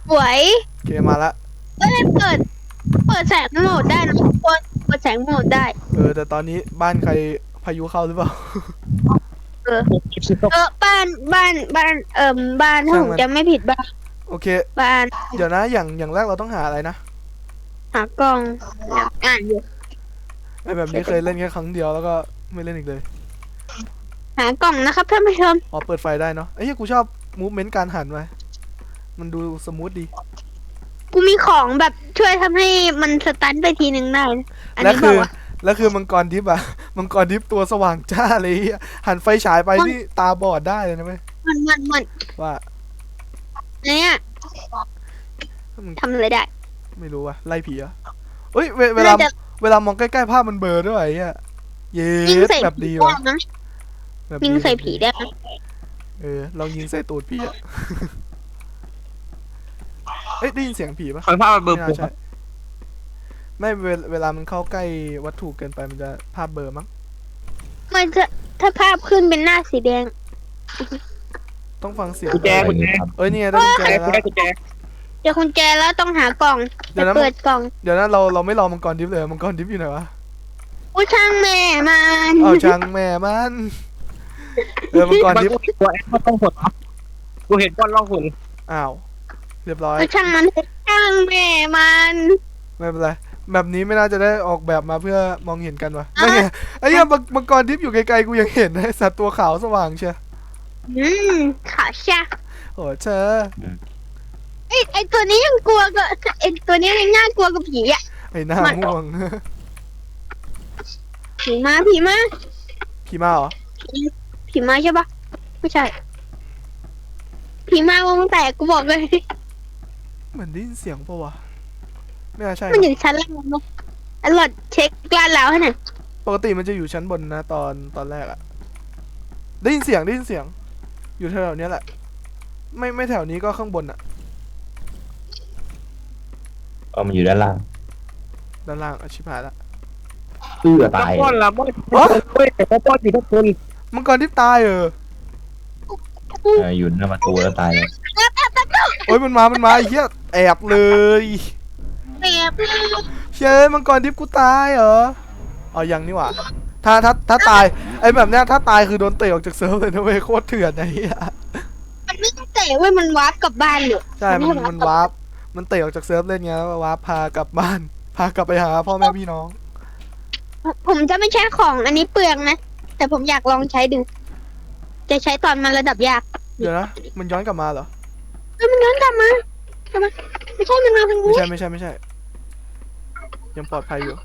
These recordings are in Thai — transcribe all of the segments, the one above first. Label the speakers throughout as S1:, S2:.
S1: สวย
S2: โอเคมาละ
S1: เอ้ยเปิดแสงโหมดได้นะทุกคนเปิดแสงโหมดได้
S2: แต่ตอนนี้บ้านใครพายุเข้าหรือเปล่า
S1: เออบ้านบ้านถ้า
S2: ช่างมัน
S1: ผมจำไม่ผิดบ้าน
S2: โอเค
S1: บ้าน
S2: เดี๋ยวนะอย่างแรกเราต้องหาอะไรนะ
S1: หากล้องอ่านอยู่
S2: ไอแบบนี้เคยเล่นแค่ครั้งเดียวแล้วก็ไม่เล่นอีกเลย
S1: หากล่องนะครับท่านผู้ชม
S2: อ๋อเปิดไฟได้เนาะไอ้เหี้ยกูชอบมูฟเมนต์การหันไว้มันดูสมูทดี
S1: กูมีของแบบช่วยทำให้มันสตันไปทีหนึ่งได้นะอัน
S2: แล้วคือ
S1: นี้บอกว่า
S2: แล้วคือมังกรทิพย์อะ มังกรทิพย์ตัวสว่างจ้าเลยเหี้ยหันไฟฉายไปนี่ตาบอดได้เลยนะเว้ย
S1: มัน
S2: ว่า
S1: เนี่ย
S2: มึง
S1: ทำอะไรได้
S2: ไม่รู้ว่ะไล่ผีอะเอ้ยเวลา
S1: น่าจะ
S2: เวลามองใกล้ๆภาพมันเบลอด้วยไอ้เหี้ยเย็
S1: ยิง
S2: ด
S1: ใส่
S2: แบบ
S1: ผี
S2: ดี
S1: ได้
S2: วะ
S1: นะ
S2: แบบ
S1: ยิงใส่
S2: ดีแบบดี
S1: ผีได้นะ
S2: ลองยิงใส่ตูดผีอะ เอ้ยได้ยินเสียงผีปะ
S3: คอยภาพมันเบอ
S2: ไม่น่าใช่
S3: ร์ปุ๊บ
S2: ไม่เวลามันเข้าใกล้วัตถุเกินไปมันจะภาพเบลอมั้ง
S1: มันจะถ้าภาพขึ้นเป็นหน้าสีแดง
S2: ต้องฟังเสียง
S3: กุญแจกุญแจ
S2: เอ้ยนี่ไงได้กุญแจ
S3: แจ
S2: แล้ว
S3: ได้กุญแจ
S1: เดี๋ยวคุณแจแล้วต้องหากล่อง
S2: เดี๋ยวนะ
S1: เปิดกล่อง
S2: เดี๋ยวนะเราไม่รอมังกรดิฟเลยมังกรดิฟอยู่ไหนวะ
S1: อุ้ยช่างแม่มัน
S2: เอาช่างแม่มันมังกร
S3: มัน
S2: ดิฟ
S3: กูเห็นตัวแอปมันต้องหดเหรอกูเห็นก้อนล่องหน
S2: อ้าวเรียบร้อย
S1: อุ้ยช่างมันช่างแม่มัน
S2: ไม่เป็นไรแบบนี้ไม่น่าจะได้ออกแบบมาเพื่อมองเห็นกันวะไม่ไงไอ้เหี้ยมังกรดิฟอยู่ไกลๆกูยังเห็นเลยสัตว์ตัวขาวสว่างเชียว
S1: อืมขาชา
S2: โอ้เธอ
S1: ไอตัวนี้ยังกลัวก็ไอตัวนี้ยังน่ากลัวกับผีอ่ะ
S2: ไอ้หน้าม่วง
S1: ผีมาผีมา
S2: ผีมาเหรอ
S1: ผีมาใช่ปะไม่ใช่ผีมาวงแตกกูบอกเลย
S2: เหมือนได้ยินเสียงปะวะไม่น่าใช่
S1: มันอ
S2: นะ
S1: ยู่ชั้นล่างมั้งอร่อยเช็คกล้านแล้วให้หน่อย
S2: ปกติมันจะอยู่ชั้นบนนะตอนแรกอะได้ยินเสียงอยู่แถวๆเนี้ยแหละไม่แถวนี้ก็ข้างบนอะ
S4: มันอยู่ด้านล่าง
S2: ด้านล่างอะชิบหายละ
S4: ตาย
S3: ป้อนละป้อนเฮ้ยแต่ป้อนอยู่ทุกคน
S2: มังกรที่ตาย
S4: อยู่หน้าประตูแล้วตายเลย
S2: โอ้ยมันมาไอ้เหี้ยแอบเลย
S1: แบบ
S2: เฮ้ยมังกรทิพย์กูตายเหรออ๋อยังนี่หว่าถ้าตายไอ้แบบเนี้ยถ้าตายคือโดนเตะออกจากเซิร์ฟเลยนะเว้ยโคตรเถื่อนไอ้เหี้ย
S1: มันไม่เตะเว้ยมันวาร์ปกลับบ้านอยู่
S2: ใช่มันวาร์ปมันเตะออกจากเซิร์ฟเล่นไงแล้ววาร์ปพากลับบ้านพากลับไปหาพ่อแม่พี่น้อง
S1: ผมจะไม่ใช้ของอันนี้เปลืองนะแต่ผมอยากลองใช้ดูจะใช้ตอนมันระดับยาก
S2: เดี๋ยวนะมันย้อนกลับมาเหรอ
S1: มันย้อนกลับมาไม่ใช่มันมาทาง
S2: ไม่
S1: นี้
S2: ใช่ยังปลอดภัยอยู่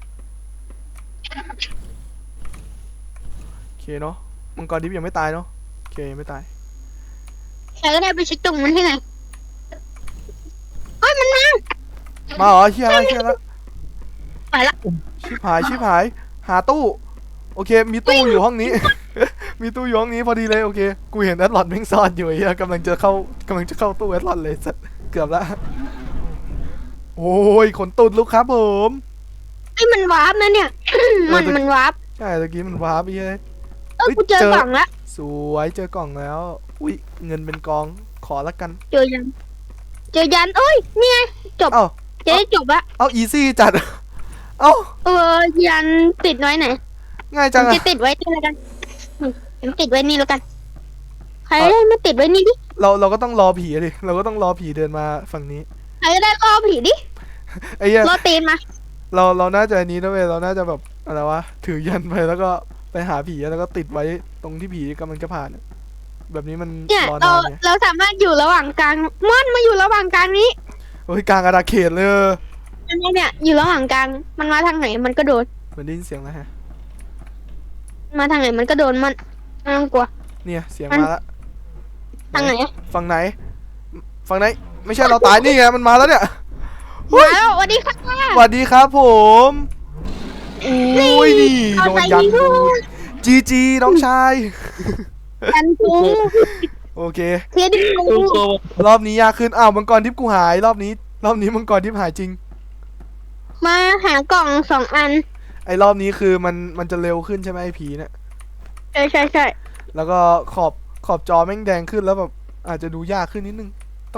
S2: โอเคเนาะมังกรดิฟยังไม่ตายเนาะโอเคยังไม่ตาย
S1: ใครก็ได้ไปเช็คตรงมันให้หน่อยเฮ้ยมันมา
S2: มาเหรอเฮียแล้ว
S1: ไปละ
S2: ชิบหายหาตู้โอเคมีตู้อยู่ห้องนี้ มีตู้อยู่ห้องนี้พอดีเลยโอเคกูเห็นแอดลอดแม่งซ่อนอยู่ไอ้เฮียกำลังจะเข้าตู้แอดลอดเลยสัสเกือบละโอ้ยขนตุดลูกครับผม
S1: ไอ้ยมันวาร์ปนะเนี่ย มันวาร์ป
S2: ใช่ตะกี้มันวาร์ปไปเลย
S1: กูเจอกล่องละ
S2: สวยเจอกล่องแล้วอุ้ยเงินเป็นกองขอละกัน
S1: เจอยันเอ้ยนี่ไงจบ
S2: เอ้า
S1: จะได้จบละ
S2: เอาอีซี่จัด เอ้า
S1: ยันติดไว้ไหน
S2: ง่าย
S1: ผ
S2: จัง
S1: ม
S2: อะ
S1: จะติดไว้นี่แล้วกันผมติดไว้นี่แล้วกันใครได้มาติดไว้นี่ดิ
S2: เราก็ต้องรอผีดิเราก็ต้องรอผีเดินมาฝั่งนี้
S1: ใครได้ล่อผีดิ
S2: ไอ้เหี้ย
S1: ล่อตีนมา
S2: เราน่าจะอันนี้นะเว้ยเราน่าจะแบบอะไรวะถือยันไปแล้วก็ไปหาผีแล้วก็ติดไว้ตรงที่ผีกำลังจะผ่านอะแบบนี้มัน
S1: เนี่ย
S2: รอ
S1: เรา
S2: นานไง
S1: เราสามารถอยู่ระหว่างกลางม่อนมาอยู่ระหว่างกลางนี้
S2: เฮ้ยกลางอาณาเขตเลย
S1: อันนี้เนี่ยอยู่ระหว่างกลางมันมาทางไหนมันก็โดน
S2: เหมือนได้ยินเสียงแล้วฮะ
S1: มาทางไหนมันก็โดนมันไม่ต้องกลัว
S2: เนี่ยเสียงมาละ
S1: ทางไหน
S2: ฝั่งไหนไม่ใช่เราตายนี่ไงมันมาแล้วเนี่ย
S1: มาแล้วสวัสดีค่ะ
S2: สวัสดีครับผมอุ้ยนี่โดนยันดูจีน้องชาย
S1: กันกู
S2: โอเค
S1: เทียดิกู
S3: ตู้โซ
S2: รอบนี้ยากขึ้นอ้าวมังกรทิพย์กูหายรอบนี้มังกรทิพย์หายจริง
S1: มาหากล่อง2 อัน
S2: ไอ้รอบนี้คือมันจะเร็วขึ้นใช่ไหมไอ้ผีเนี่ย
S1: ใช่
S2: แล้วก็ขอบจอแม่งแดงขึ้นแล้วแบบอาจจะดูยากขึ้นนิดนึงต้อง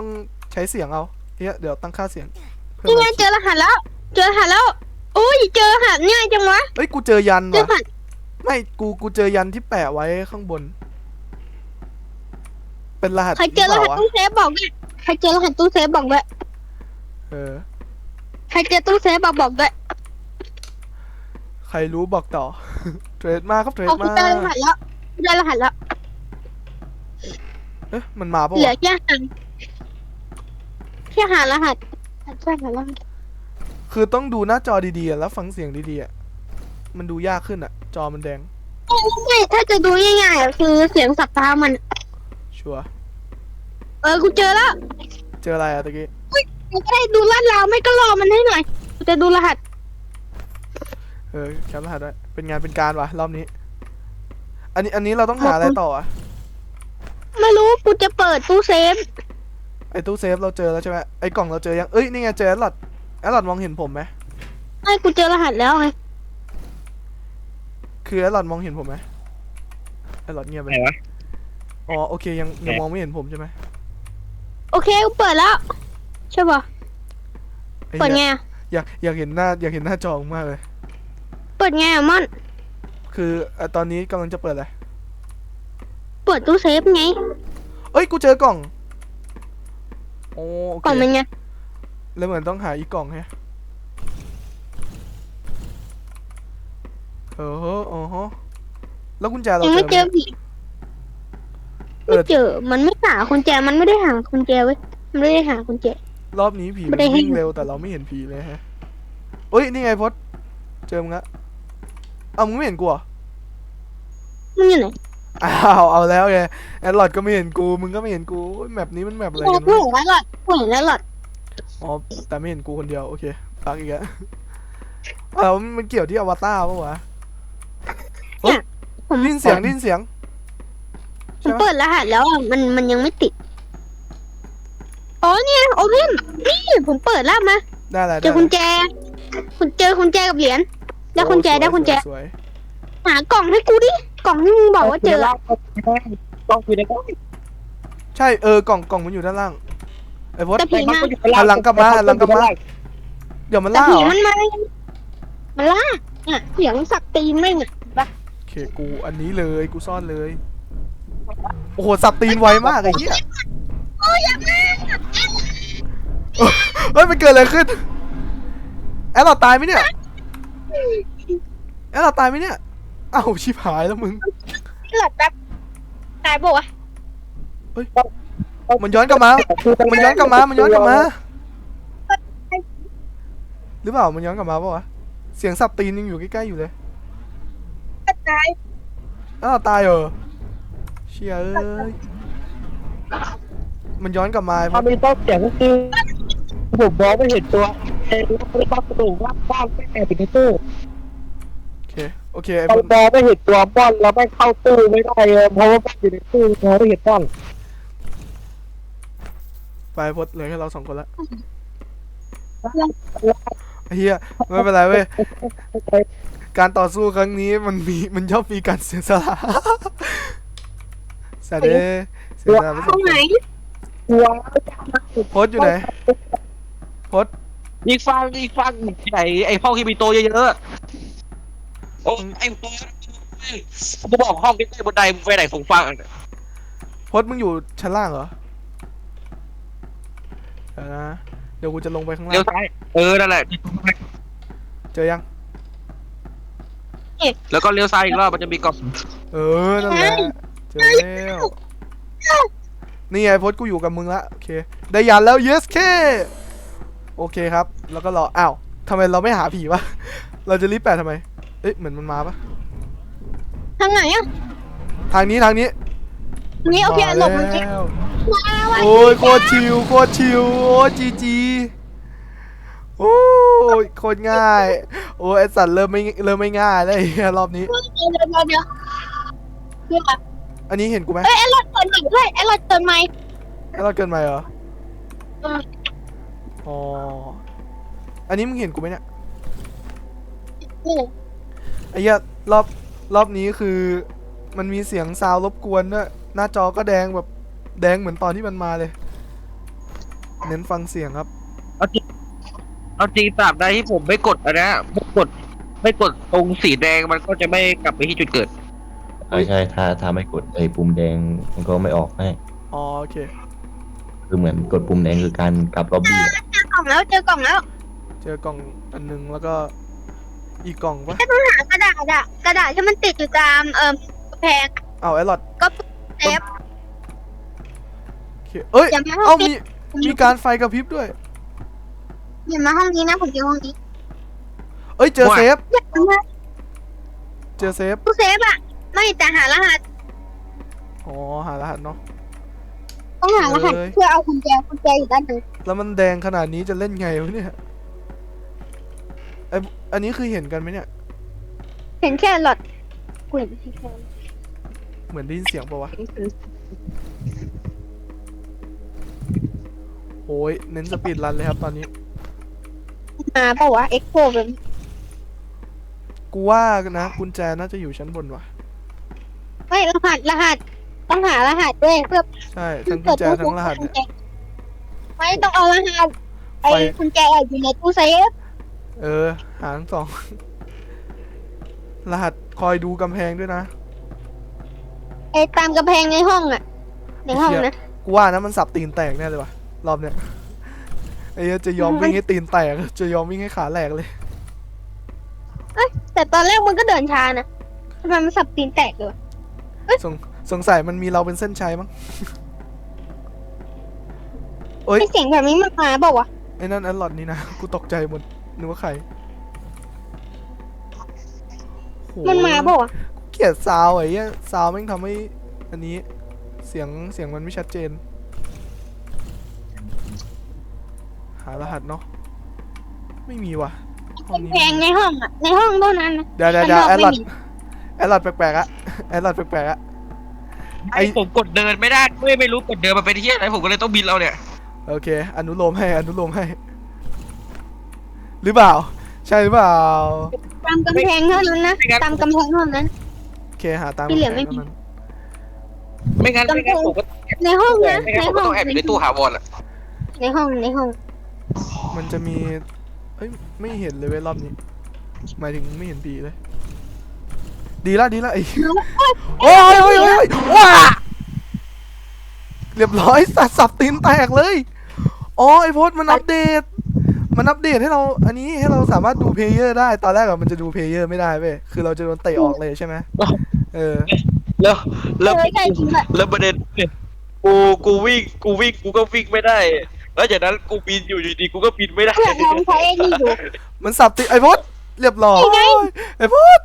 S2: ใช้เสียงเอาเฮียเดี๋ยวตั้งค่าเสียงเพิ่ม
S1: นี่ไง
S2: ไมค์
S1: เจอรหัสแล้ว เจอรหัสแล้วโอ้ยเจอรหัสง่ายจังวะ
S2: เอ้ยกูเจอยัน
S1: เจอร
S2: ว่ะ
S1: หัส
S2: ไม่กูเจอยันที่แปะไว้ข้างบน เป็นรหัส
S1: ใครเจอรหัส
S2: ปล่าวะ
S1: ตู้เซฟบอกด้วยใครเจอรหัสตู้เซฟบอกด้วย
S2: เออ
S1: ใครเจอตู้เซฟบอกด้วย
S2: ใครรู้บอกต่อ เทรดมาครับเทรด
S1: เอาคุ
S2: มา
S1: ณเจอรหัสแล้วเจอรหัสแล้ว
S2: เอ๊ะมันมาปะ
S1: เหลือ
S2: วะ
S1: แค่หารหัสใช่หารหัส
S2: คือต้องดูหน้าจอดีๆอะแล้วฟังเสียงดีๆอะมันดูยากขึ้นอะจอมันแดง
S1: ไม่ถ้าจะดูง่ายๆอะคือเสียงสับเท้ามัน
S2: ชัวร์
S1: กูเจอแล้ว
S2: เจออะไรอะตะกี้
S1: กูจะได้ดูลาดราวไม่ก็รอมันให้หน่อยกูจะดูรหัส
S2: เออแคปรหัสไว้เป็นงานเป็นการวะรอบนี้ อันนี้เราต้องหาอะไรต่ออะ
S1: ไม่รู้กูจะเปิดตู้เซฟ
S2: ไอ้ตู้เซฟเราเจอแล้วใช่ไหมไอ้กล่องเราเจอยังเอ้ยนี่ไงเจอแอดลอดมองเห็นผมไหม
S1: ให้กูเจอรหัสแล้วไง
S2: คือแอดลอดมองเห็นผมไหมแอดลอดเงียบไป
S3: ไหนวะ
S2: อ๋อโอเคยังมองไม่เห็นผมใช่ไหม
S1: โอเคกูเปิดแล้วใช่ป่ะ
S2: ไอ้
S1: เปิดไง
S2: เหี้ย
S1: อะ
S2: อยากเห็นหน้าจอมากเลย
S1: เปิดไงอะม่อน
S2: คือตอนนี้กำลังจะเปิดอะไร
S1: เปิดตู้เซฟไง
S2: เอ้ยกูเจอกล่องโอ้โอเค
S1: ก่อนมันไง
S2: แล้วเหมือนต้องหาอีกกล่องแฮะเอออ๋อแล้วกุญแจเรา
S1: ยัง
S2: เจ
S1: ไม่
S2: อไห
S1: เจอ
S2: ม
S1: ผีไม่เจอมันไม่หากุญแจมันไม่ได้หากุญแจเว้ยมันไม่ได้หากุญแจ
S2: รอบนี้ผี
S1: ไม่
S2: มัน
S1: ได้ให้
S2: วิ่งเร็วแต่เราไม่เห็นผีเลยฮะเอ้ยนี่ไงพดเจอมึงละเอามึงไม่เห็นกูเหรอ
S1: มันอยู่ไหน
S2: อ้าวเอาแล้วไงแอดลอดก็ไม่เห็นกูมึงก็ไม่เห็นกูแมปนี้มันแมปอะไร
S1: กู
S2: กัน
S1: เห็
S2: วะ
S1: นแล้วหลอดกูเห็นแล้วหลอด
S2: อ๋อแต่ไม่เห็นกูคนเดียวโอเคปักอีกแล้วเอามันเกี่ยวที่อวตารปะวะ
S1: ผม
S2: ได้ยินเสียงได้ยินเสียง
S1: ผ
S2: ใช่
S1: ม
S2: ไหม
S1: เปิดรหัสแล้วอะมันยังไม่ติดอ๋อเนี่ยโอเพนนี่ผมเปิดแล้วมา
S2: ได้แล้ว
S1: เจอกุญแจคุณเจอกุญแจกับเหรียญได้กุญแจได้กุญแจ
S2: สวย
S1: หากล่องให้กูดิกล่องที่มึงบอกว่าเจอ
S3: ต้องอยู่ในกล้อง
S2: ใช่กล่องมันอยู่ด้านล่างไอ้พด
S1: แต่ผีมา
S2: หันหลังกลับมาเดี๋ยวมัน
S1: แต่
S2: ล่า
S1: ผี
S2: เหรอ
S1: มันมามันล่าเนี่ยเสียงสักตีนไม่งอะ
S2: โอเคกูอันนี้เลยกูซ่อนเลยโอ้โหสับตีนไวมากไอ้เหี้ย
S1: โอ้ยอย่ามา
S2: เฮ้ยมันเกิดอะไรขึ้นแอดเราตายไหมเนี่ยแอดเราตายไหมเนี่ยอ้าวชิบหายแล้วมึง
S1: หลับแป๊บตายปะวะ
S2: มันย้อนกลับมา มันย้อนกลับมา มันย้อนกลับมา หรือเปล่า มันย้อนกลับมาปะวะ เสียงสับตีนยังอยู่ใกล้ๆอยู่เลย
S1: ตาย
S2: อ้าวตายเหรอเชี่ยเอ้ย มันย้อนกลับมาไอ้พ
S3: ถ้าว
S2: ก
S3: มีต้องเสียงก็คือผมมองไม่เห็นตัวเองไม่ต้องกระดูกว่าบ้านไม่แอบอยู่ในตู้
S2: โอเคไอ้
S3: ต
S2: พ
S3: อ
S2: วน ก
S3: มองไม่เห็นตัวบ้านแล้วไม่เข้าตู้ไม่ได้เพราะว่าบ้านอยู่ในตู้มองไม่เห็นบ้าน
S2: ไปพดเหลือแค่เราสองคนละไอ้เฮียไม่เป็นไรเว้ย การต่อสู้ครั้งนี้มันย่อมมีการเสียสละสัตว์เด้เสียสละไปส
S1: ตร
S2: อง
S1: ง
S2: ค
S1: ไหน
S2: นโพสต์อยู่ไหนโพสต์
S3: อีกฟังที่ไหนไอ้ห้องที่มีโต๊ะเยอะๆโอ้ไอ้โต๊ะกูบอกห้องที่ใต้บนไดมึงไปไหนผมฟัง
S2: โพสต์มึงอยู่ชั้นล่างเหรอเดี๋ยวนะเดี๋ยวกูจะลงไปข้างล่า
S3: เลี้ยว
S2: ง
S3: ซ้ายนั่นแหละ
S2: เจอยัง
S3: แล้วก็เลี้ยวซ้ายอีกรอบมันจะมีกล่อง
S2: นั่นแหละเจอแล้วนี่ไงโพสต์กูอยู่กับมึงละโอเคได้ยันแล้ว yes เคโอเคครับแล้วก็รออ้าวทำไมเราไม่หาผีวะเราจะรีบแปะทำไมเอ๊ะเหมือนมันมาปะ
S1: ทางไหนอะ
S2: ทางนี้
S1: นี่โอเคหลบมัน
S2: มา
S1: เจ๊
S2: แล้ว
S1: ว้าว
S2: โอ้ยโคตรชิวโอ้ยจีโอ้ยโคตรง่ายโอ้ยไอสัตว์เริ่มไม่ง่ายแล้วไอ้เหี้ยรอบนี้
S1: เดี๋ยวเดี๋ยว
S2: อันนี้เห็นกูไหม
S1: เอ้ยไอ้รถเปิดใหม่ด้วยไอ้รถเปิดใหม่
S2: แล้วเราเกินไปเหรออ๋ออันนี้มึงเห็นกูไหมเนี่ย
S1: นี่
S2: ไอ้เหี้ยรอบนี้คือมันมีเสียงซาวรบกวนด้วยหน้าจอก็แดงแบบแดงเหมือนตอนที่มันมาเลยเน้นฟังเสียงครับ
S3: เอาจริงตราบใดที่ผมไม่กดอันเนี้ยไม่กดตรงสีแดงมันก็จะไม่กลับไปที่จุดเกิด
S4: ใช่ถ้าไม่กดไอ้ปุ่มแดงมันก็ไม่ออกให้
S2: อ๋อโอเค
S4: คือเหมือนกดปุ่มแดงคือการกลับล็อบบี้อะ
S1: เจอกล่องแล้วเจอกล่องแล้ว
S2: เจอกล่องอันนึงแล้วก็อีกกล่องปะ
S1: หากระดาษอะกระดาษที่มันติดอยู่ตามกำแพง
S2: เอาไอรอด
S1: ก็เซฟ
S2: โอเคเอ้ย
S1: อย่ามาห้
S2: เอ้า
S1: องนี้
S2: มีการไฟกระพริบด้วย
S1: อย่ามาห้องนี้นะผมเจอห้องนี้
S2: เอ้ยเจอเซฟ
S1: อย่ามา
S2: เจอเซฟ
S1: ตู้เซฟอะไม่แต่หารหัส
S2: อ๋อหารหัสเนาะ
S1: ต้องหารหัส
S2: เลย
S1: เพื่อเอากุญแจอยู่ด้านหนึ่ง
S2: แล้วมันแดงขนาดนี้จะเล่นไงวะเนี่ยไออันนี้คือเห็นกันไหมเนี่ย
S1: เห็นแค่หลอดกลิ่นที่แค่
S2: เหมือนได้ยินเสียงปะวะโอ้ยเน้นสปีดรันเลยครับตอนนี้
S1: มาเปล่าวะเอ็กโคแบบ
S2: กูว่านะกุญแจน่าจะอยู่ชั้นบนว่ะ
S1: ไม่รหัสต้องหารหัสด้วยเพื่อ
S2: ใช่ทั้งกุญแจทั้งรหัสเนี่ย
S1: ไม่ต้องเอารหัสไอ้
S2: ไฟ
S1: กุญแจอยู่ในตู้เซฟ
S2: หาทั้งสอง รหัสคอยดูกำแพงด้วยนะ
S1: ไอ้ตามกำแพงในห้องอะในห้องนะ
S2: กูว่านะมันสับตีนแตกแน่เลยว่ะรอบเนี้ยไอ้เหี้ยจะยอมวิ่งให้ตีนแตกจะยอมวิ่งให้ขาแหลกเลย
S1: แต่ตอนแรกมันก็เดินช้านะทำไมมันสับตีนแตกเลยวะ
S2: สงสัยมันมีเราเป็นเส้นชัยมั้ง เอ้ย
S1: ไอเสียงแบบนี้มันมาเปล่าวะ
S2: ไอ้นั่นแอดลอดนี่นะ กูตกใจหมดนึกว่าใครโห
S1: มันมาเปล่าวะ
S2: เกลียดซาวไอ้เหี้ยซาวแม่งทำให้อันนี้เสียงมันไม่ชัดเจน หารหัสเนาะไม่มีว่ะห้องนี้
S1: แพงในห้องอะในห้องเท่านั้นนะ
S2: เดี๋ยว
S1: ข้างนอก
S2: แอดลอด
S1: ไม่มี
S2: แอดลอดแปลกๆอะแอดลอดแปลกๆอะ
S3: ไอ้ผมกดเดินไม่ได้ไม่รู้กดเดินมาเป็นที่อะไรผมก็เลยต้องบินเราเนี่ย
S2: โอเค อนุโลมให้ หรือเปล่า ใช่หรือเปล่า
S1: ตามกำแพงเท่านั้นนะตามกำแพงเท่านั้น
S2: โอเค หาตาม
S1: ที่เหลือไม่มี
S2: ท่านั้น
S3: ไม่งั้นผมก็
S1: ในห้องนะ
S3: ไม่งั้น
S1: ใน
S3: ผมก็
S1: ห้อง
S3: ต้องแอบอยู่ในตู้หาวอนอ่ะ
S1: ในห้องในห้อง
S2: มันจะมี เอ้ย ไม่เห็นเลยเว้ยรอบนี้ หมายถึงไม่เห็นผีเลย ดีละไอ้โอ้ยว้าเรียบร้อยสับตีนแตกเลย อ๋อ ไอโพสต์มันอัปเดตให้เรา อันนี้ให้เราสามารถดูเพลเยอร์ได้ ตอนแรกอะมันจะดูเพลเยอร์ไม่ได้เว้ย คือเราจะโดนเตะออกเลยใช่ไหม
S3: แล้ว
S1: ใช่จริงอะ
S3: แล้วประเด็นกูวิ่งกูก็วิ่งไม่ได้ แล้วจากนั้นกูบินอยู่ดีๆกูก็บินไม่ได้
S1: เพื่อนลองใช้ไอ้นี่ดู
S2: มันสับตีไอโพสต์เรียบร้อย
S1: ยังไง
S2: ไอโพสต์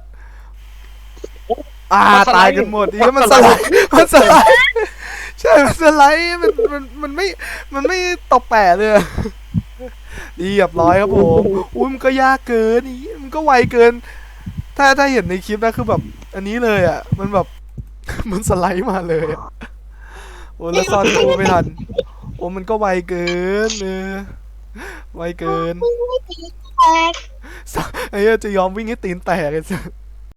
S2: ตายกันหมดนี่มันสไลด์ใช่ มันสไลด์มันไม่ตบแปะเลยอะเรียบร้อยครับผมอุ้ยมันก็ยากเกินนี่มันก็ไวเกิน ถ้าเห็นในคลิปนะคือแบบ อันนี้เลยอ่ะ มันแบบ มันสไลด์มาเลยอะโอ้แล้วซ่อนตู้ไม่ทัน โอ้มันก็ไวเกินไวเกิน
S1: แตก
S2: ไอ้เหี้ยจะยอมวิ่งให้ตีนแตกเลย